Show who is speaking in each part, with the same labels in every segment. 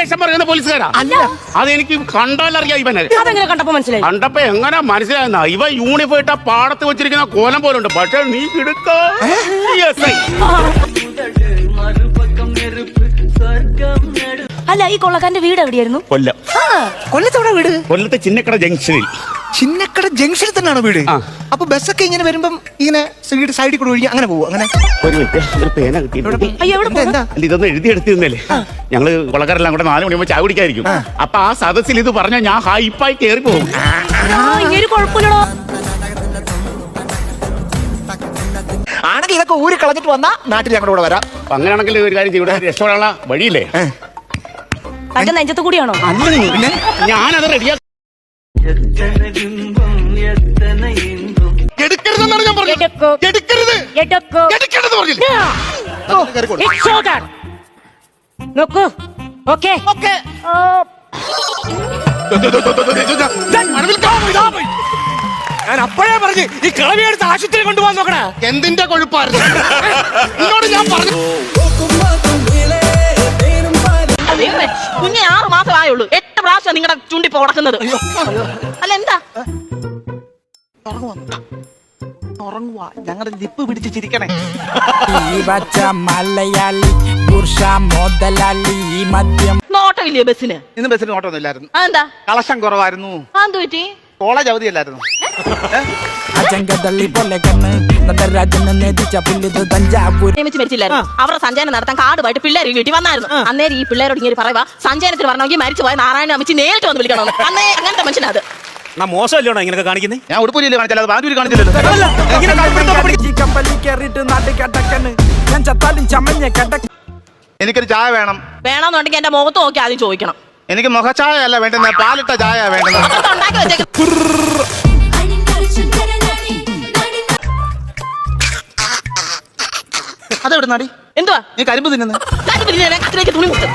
Speaker 1: വേഷം പറയുന്ന പോലീസുകാരാ?
Speaker 2: അല്ല,
Speaker 1: അതെനിക്ക് കണ്ടാലറിയാം ഇവനെ.
Speaker 2: അതെങ്ങനെ കണ്ടപ്പോ മനസ്സിലായി?
Speaker 1: കണ്ടപ്പോ എങ്ങനെ മനസ്സിലായെന്ന ഇവ യൂണിഫോം ഇട്ട പാടത്ത് വെച്ചിരിക്കുന്ന കോലം പോലെ ഉണ്ട്. പക്ഷെ നീ കിടക്ക
Speaker 2: അല്ല, ഈ കൊള്ളക്കാരന്റെ വീട് എവിടെയായിരുന്നു?
Speaker 1: കൊല്ലം.
Speaker 3: കൊല്ലത്തോടെ വീട്?
Speaker 1: കൊല്ലത്തെ ചിന്നക്കട ജംഗ്ഷനിൽ.
Speaker 3: ചിന്നക്കട ജംഗ്ഷനിൽ തന്നെയാണോ വീട്? അപ്പൊ ബസ്സൊക്കെ ഇങ്ങനെ വരുമ്പം ഇങ്ങനെ സൈഡിൽ കൂടെ ഒഴുകി അങ്ങനെ പോകും? അങ്ങനെ
Speaker 1: ഒരു മിനിറ്റ്, ഒരു പേന കിട്ടിയിട്ടുണ്ട്.
Speaker 3: എന്താ
Speaker 1: ഇതൊന്നും എഴുതിയെടുത്തിരുന്നല്ലേ? ഞങ്ങള് കൊള്ളക്കാരെല്ലാം കൂടെ 4 മണിയാകുമ്പോൾ ചായ കുടിക്കായിരിക്കും. അപ്പൊ ആ സദസ്സിൽ ഇത് പറഞ്ഞാൽ ഞാൻ ഹൈപ്പായി കയറി പോകും.
Speaker 2: ഇങ്ങനെ കുഴപ്പമില്ലടോ.
Speaker 3: ആണെങ്കിൽ ഇതൊക്കെ ഊരി കളഞ്ഞിട്ട് വന്നാ നാട്ടിൽ ഞങ്ങളുടെ കൂടെ വരാം.
Speaker 1: അപ്പൊ അങ്ങനെയാണെങ്കിൽ ഒരു കാര്യം ചെയ്യൂടെ, രക്ഷപ്പെടാനുള്ള വഴിയില്ലേ?
Speaker 2: തന്റെ നെഞ്ചത്ത് കൂടിയാണോ?
Speaker 1: പിന്നെ ഞാനത് റെഡിയാ. എടുക്കരുതെന്നാണ് ഞാൻ പറഞ്ഞത്. എടുക്കരുത്, എടുക്കരുത് പറഞ്ഞില്ലേ?
Speaker 2: നോക്കൂ. ഓക്കേ
Speaker 3: ഞാൻ അപ്പോഴേ പറഞ്ഞു ഈ കളവിയെടുത്ത് ആശുപത്രി കൊണ്ടുപോകാൻ നോക്കണേ.
Speaker 1: എന്തിന്റെ കൊഴുപ്പായിരുന്നു എന്നോട് ഞാൻ പറഞ്ഞു.
Speaker 4: കുഞ്ഞെ 6 മാസം ആയുള്ളൂ. 8 പ്രാവശ്യം നിങ്ങളുടെ ചൂണ്ടിപ്പോ ഉടക്കുന്നത്. അല്ല എന്താ
Speaker 3: ഉറങ്ങുവാ, ഞങ്ങളുടെ ലിപ്പ് പിടിച്ച് ചിരിക്കണേ.
Speaker 5: മലയാളി
Speaker 4: നോട്ടമില്ലേ ബസ്സിന്?
Speaker 3: ഇന്ന് ബസ്സിന് നോട്ടൊന്നും ഇല്ലായിരുന്നു.
Speaker 4: അതെന്താ?
Speaker 3: കളക്ഷൻ കുറവായിരുന്നു.
Speaker 4: അതെന്ത് പറ്റി?
Speaker 3: കോളേജ് അവധിയല്ലായിരുന്നു.
Speaker 4: മരിച്ചില്ലായിരുന്നു. അവരുടെ സഞ്ചയനം നടത്താൻ കാർഡുമായിട്ട് പിള്ളേർ വീട്ടിൽ വന്നായിരുന്നു. അന്നേരം ഈ പിള്ളേരോട് ഇങ്ങനെ പറയുക, സഞ്ചയനത്തിന് പറഞ്ഞെങ്കിൽ മരിച്ചു പോയ നാരായണ അമ്മച്ചി നേരിട്ട് വന്ന് വിളിക്കണം. അന്നേ അങ്ങനത്തെ മനുഷ്യനാ അത്.
Speaker 6: മോശമല്ലോ ഇങ്ങനെ കാണിക്കുന്നത്?
Speaker 3: ഞാൻ ഉടുപ്പൂരിയല്ലേ കാണിച്ചാൽ ബാജൂരി കാണിച്ചില്ലല്ലോ. എനിക്കൊരു ചായ വേണം.
Speaker 4: വേണമെന്നുണ്ടെങ്കിൽ എന്റെ മുഖത്ത് നോക്കി ആദ്യം ചോദിക്കണം.
Speaker 3: എനിക്ക് മുഖച്ചായ അല്ല വേണ്ടുന്ന, പാലിട്ട ചായ വേണ്ടുന്നത്.
Speaker 4: ഉണ്ടാക്കി വെച്ചേക്ക്.
Speaker 3: അതെവിടെ നാടി?
Speaker 4: എന്തുവാ
Speaker 3: നീ കരിമ്പ് തിന്നുന്നു?
Speaker 4: കത്തിലേക്ക് തുണി മുട്ട്.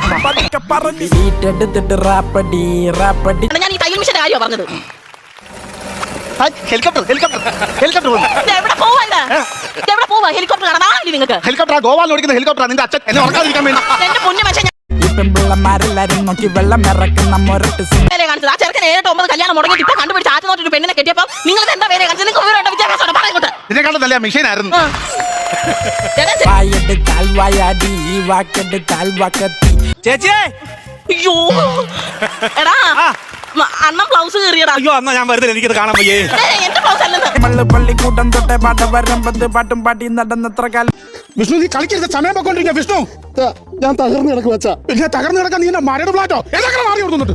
Speaker 4: ഞാൻ ഈ തയ്യൽ മിഷന്റെ കാര്യമാണ് പറഞ്ഞത്.
Speaker 3: ഹെലികോപ്റ്റർ ഹെലികോപ്റ്റർ ഹെലികോപ്റ്റർ
Speaker 4: എവിടെ പോവാ? എവിടെ പോവാ? ഹെലികോപ്റ്റർ കാണാൻ നിങ്ങൾക്ക്?
Speaker 3: ഹെലികോപ്റ്റർ ഗോവാളിൽ ഓടിക്കുന്ന ഹെലികോപ്റ്റർ. നിന്റെ അച്ഛൻ എന്നെ ഉറക്കാതിരിക്കാൻ വേണ്ടി.
Speaker 4: എന്റെ പൊന്നു മനുഷ്യൻ
Speaker 5: പെൺപിള്ളമാരെല്ലാരും നോക്കി വെള്ളം ഇറക്കുന്ന മുരട്ട്
Speaker 4: കാണിച്ചത്. ആ ചെറുക്കൻ 7-9 കല്യാണം മുടങ്ങിയിട്ട് ഇപ്പൊ കണ്ടുപിടിച്ച് ആറ്റ് നോട്ടൊരു പെണ്ണിനെ കെട്ടിയപ്പോ നിങ്ങൾ എന്താ പേരെ കാണിച്ചത്? നിങ്ങൾക്ക് വിദ്യാഭ്യാസം പറയുന്നത്
Speaker 3: ഇതിനെക്കാളും നല്ല മെഷീനായിരുന്നു.
Speaker 5: വായെടുത്താൽ വായാടി വാക്കെടുത്താൽ വാക്കത്തി.
Speaker 6: ചേച്ചിയെ,
Speaker 4: അയ്യോ എടാ അണ്ണം ബ്ലൗസ് കീറിയടാ.
Speaker 6: അയ്യോ എന്നാ ഞാൻ വരുന്നില്ല, എനിക്കത് കാണാൻ വയ്യേ.
Speaker 4: എന്റെ ബ്ലൗസ് അല്ലെന്ന്.
Speaker 5: പള്ളിക്കൂട്ടം തൊട്ടേ പാട്ട വരമ്പത്ത് പാട്ടും പാട്ടി നടന്നത്ര കാലം.
Speaker 1: വിഷ്ണു, നീ കളിക്കരുത്, സമയം പൊക്കോണ്ടിരിക്കുക. വിഷ്ണു,
Speaker 7: ഞാൻ തകർന്നു കിടക്കുക വെച്ചാ.
Speaker 1: പിന്നെ തകർന്നു കിടക്കാൻ നീ മരട് ഫ്ലാറ്റോ ഏതൊക്കെ മാറി കൊടുക്കുന്നുണ്ട്?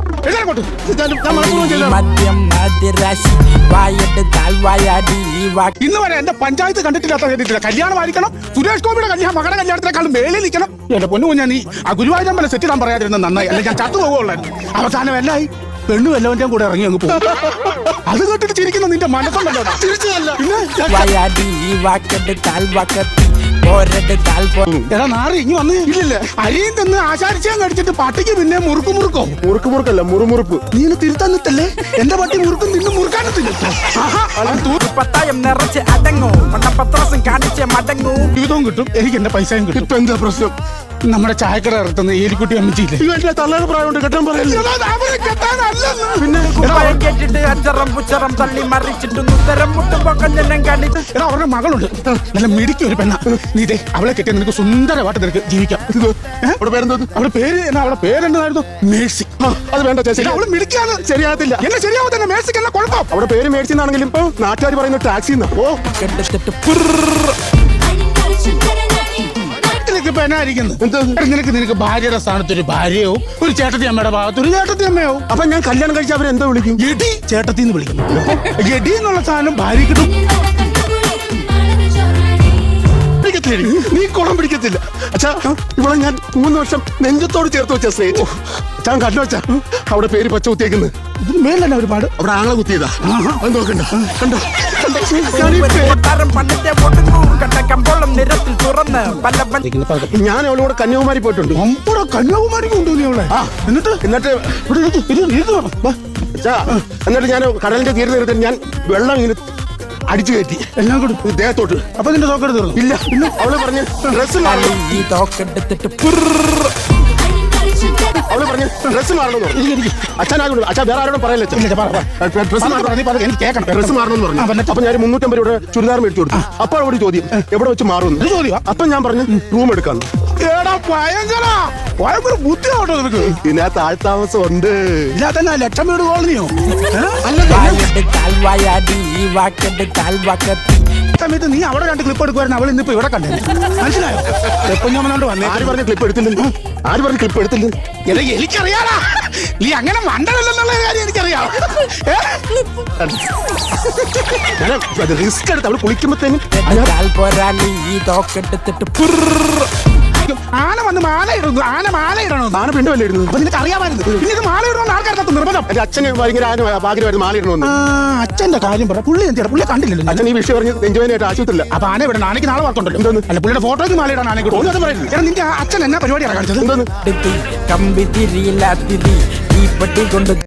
Speaker 5: മദ്യം മദ്യരാശി വായെടുത്താൽ വായാടി
Speaker 1: ഇന്ന് വരെ എന്റെ പഞ്ചായത്ത് കണ്ടിട്ടില്ലാത്ത കേട്ടിട്ടില്ല. കല്യാണം ആയിരിക്കണം, സുരേഷ് ഗോപിയുടെ കല്യാണം, മകയുടെ കല്യാണത്തിനേക്കാളും മേളിൽ നിൽക്കണം. എന്റെ പൊന്നു കുഞ്ഞാ, നീ ആ ഗുരുവായൂരമ്പല സെറ്റ് ഇടാൻ പറയാതിരുന്നത് നന്നായി. അല്ലെ ഞാൻ ചത്തു പോകുള്ളായിരുന്നു. അവസാനം എല്ലായി പെണ്ണു വല്ലവന്റെയും കൂടെ ഇറങ്ങി അങ്ങ് പോകും. അത് കേട്ടിട്ട് ചിരിക്കുന്ന നിന്റെ മനസ്സുണ്ടല്ലോ.
Speaker 5: വായാടി വാക്കെടുത്താൽ വാക്കത്തി.
Speaker 1: എടാ നാറി, ഇനി വന്ന് ഇല്ലല്ലേ അരിയും തിന്ന് ആശാരിച്ചാൻ കടിച്ചിട്ട് പട്ടിക്ക് പിന്നെ മുറുക്കോ?
Speaker 7: മുറുക്കല്ല, മുറുമുറുപ്പ്.
Speaker 1: നീ തിരുത്താൻ നിട്ടല്ലേ? എന്റെ പട്ടി മുറുക്കും തിന്ന് മുറുക്കാനും
Speaker 5: പത്തായം നിറച്ച് അടങ്ങൂ, പത്രാസം കാണിച്ച് മടങ്ങൂ.
Speaker 1: ജീവിതവും കിട്ടും, എനിക്ക് എന്റെ പൈസയും കിട്ടും.
Speaker 7: ഇപ്പൊ എന്താ പ്രശ്നം?
Speaker 1: നമ്മുടെ ചായക്കട ഇറത്തുന്ന ഏലിക്കുട്ടി അമ്മച്ചിയില്ലേ,
Speaker 7: തള്ളയുടെ പ്രായമുണ്ട്, കെട്ടാൻ പറയല്ലേ?
Speaker 1: പിന്നെ
Speaker 5: കേട്ടിട്ട് അച്ചറം പുച്ചറം തള്ളി മറിച്ചിട്ട് ഉത്തരം മുട്ടുമ്പോ കഞ്ഞനം കാണിച്ച്.
Speaker 1: എടാ, അവരുടെ മകളുണ്ട്, നല്ല മിടിക്ക് ഒരു പെണ്ണ. നീ ഇതേ അവളെ കെട്ടിയ നിനക്ക് സുന്ദരമായിട്ട് നിനക്ക് ജീവിക്കാം.
Speaker 7: അവിടെ പേരെന്തോ?
Speaker 1: അവളുടെ പേരെന്തായിരുന്നു? മേഴ്സി.
Speaker 7: അത് വേണ്ട ചേച്ചി,
Speaker 1: അവള് മിടിക്കാന്ന് ശരിയാകത്തില്ല. എന്നെ ശരിയാവത്തില്ല. മേഴ്സിക്ക് എന്നാ കുഴപ്പം?
Speaker 7: അവിടെ പേര് മേടിച്ചി എന്നാണെങ്കിലും ഇപ്പൊ നാട്ടുകാർ പറയുന്ന ടാക്സി. ഓ നിനക്ക് ഭാര്യയുടെ സ്ഥാനത്ത് ഒരു ഭാര്യയോ ഒരു ചേട്ടത്തി അമ്മയുടെ ഭാഗത്ത് ഒരു ചേട്ടത്തി അമ്മയോ. അപ്പൊ ഞാൻ കല്യാണം കഴിച്ച അവരെന്തോ വിളിക്കും?
Speaker 1: എടി ചേട്ടത്തിന്ന് വിളിക്കും. എടി എന്നുള്ള സാധനം ഭാര്യ കിട്ടും.
Speaker 7: നീ കുളം പിടിക്കത്തില്ല അച്ഛാ. ഇവിടെ ഞാൻ 3 വർഷം നെഞ്ചത്തോട് ചേർത്ത് വെച്ച സ്നേഹിച്ചു. ഞാൻ കണ്ടു വെച്ചാ അവിടെ പേര് പച്ച കുത്തിയേക്കുന്നത്.
Speaker 1: ഇതിന് മേലല്ല ഒരുപാട്.
Speaker 7: അവിടെ ആളെ കുത്തിയതാ. അത് നോക്കണ്ട, കണ്ടോ? ഞാൻ അവളോട് കന്യാകുമാരി പോയിട്ടുണ്ട്.
Speaker 1: കന്യാകുമാരിക്ക് കൊണ്ടുപോയി അവളെ.
Speaker 7: എന്നിട്ട് ഞാൻ കടലിന്റെ തീരെ നിർത്തി ഞാൻ വെള്ളം ഇങ്ങനെ അടിച്ചു കയറ്റി
Speaker 1: എല്ലാം കൂടി
Speaker 7: ദേഹത്തോട്ട്.
Speaker 1: അപ്പൊ നിന്റെ തോക്കെടുത്ത് തീർന്നു?
Speaker 7: ഇല്ല, അവള് പറഞ്ഞ് ഡ്രസ് അവള് പറഞ്ഞു ഡ്രസ് മാറണമെന്ന് പറഞ്ഞു. അച്ഛനായോട് അച്ഛൻ വേറെ ആരോടും പറയല്ലേ
Speaker 1: ഇല്ല, പറ, പറ.
Speaker 7: ഡ്രസ്
Speaker 1: നീ പറ, എനിക്ക് കേൾക്കണം.
Speaker 7: ഡ്രസ് മാറണമെന്ന് പറഞ്ഞു.
Speaker 1: ആ, എന്നിട്ട്?
Speaker 7: അപ്പൊ ഞാൻ 350 രൂപയുടെ ചുരിദാർ മേടിച്ചു കൊടുത്തു. അപ്പോൾ അവിടെ ചോദ്യം എവിടെ വെച്ച് മാറുമെന്ന്.
Speaker 1: ഇത് ചോദ്യമാ?
Speaker 7: അപ്പൊ ഞാൻ പറഞ്ഞു റൂം എടുക്കാന്ന്.
Speaker 1: എടാ ഭയങ്കര ഭയങ്കര ബുദ്ധിയാട്ടോ നിനക്ക്.
Speaker 7: ഇതിനകത്ത് ആൾത്താമസം ഉണ്ട്.
Speaker 1: ഇല്ലാത്ത ലക്ഷം വീട് കോളനിയോ
Speaker 5: കാൽവായാടി ഈ വാക്കട്ട് കാൽവാക്കത്തി
Speaker 1: സമയത്ത് നീ അവിടെ 2 ക്ലിപ്പ് എടുക്കുവായിരുന്നു. അവൾ ഇന്നിപ്പോ ഇവിടെ കണ്ടേ. മനസ്സിലായോ? എപ്പോഴോണ്ട് വന്നേ.
Speaker 7: ആര് പറഞ്ഞ ക്ലിപ്പ് എടുത്തില്ലെന്ന്? ആര് പറഞ്ഞ ക്ലിപ്പ് എടുത്തില്ലെന്ന്?
Speaker 1: എടാ എനിക്കറിയാടാ, നീ അങ്ങനെ മണ്ടനല്ലെന്നുള്ള കാര്യം എനിക്കറിയാം.
Speaker 7: ഞാൻ റിസ്ക് എടുത്ത് അവള് കുളിക്കുമ്പോഴത്തേനും
Speaker 5: കാൽ പോരാളി ഈ തോക്കെടുത്തിട്ട്
Speaker 1: ആന വന്ന് മാല ഇടുന്നു. ആന മാല ഇടണോ?
Speaker 7: ആന പെണ്ണ് വല്ല ഇടുന്നത്.
Speaker 1: അപ്പൊ നിനക്ക് അറിയാമായിരുന്നു. പിന്നെ ഇത് മാല ഇടണമെന്ന് ആൾക്കാർക്ക് നിർബന്ധം.
Speaker 7: എന്റെ അച്ഛന് ഭയങ്കര ആഗ്രഹമായിരുന്നു മാലിടണമെന്ന്.
Speaker 1: അച്ഛന്റെ കാര്യം പറ. പുള്ളി എന്തിനാ? പുള്ളി കണ്ടില്ലല്ലോ.
Speaker 7: അച്ഛൻ ഈ വിഷയം പറഞ്ഞ് നെഞ്ചുവേനായിട്ട് ആശുപത്രിയില്ല.
Speaker 1: അപ്പൊ ആന വിടണം. ആനയ്ക്ക് നാളെ വർക്കുണ്ടല്ലോ.
Speaker 7: എന്തോന്ന്?
Speaker 1: അല്ല പുള്ളിയുടെ ഫോട്ടോയ്ക്ക് മാല ഇടാൻ ആനയ്ക്ക്
Speaker 7: ഓ, അത് പറയുന്നു.
Speaker 1: എടാ നിന്റെ അച്ഛൻ എന്നാ പരിപാടിയാണ് കാണിച്ചത്?
Speaker 7: എന്തോന്ന്?
Speaker 5: കമ്പി തിരിയില്ല തിരി ഈ പട്ടി കൊണ്ട്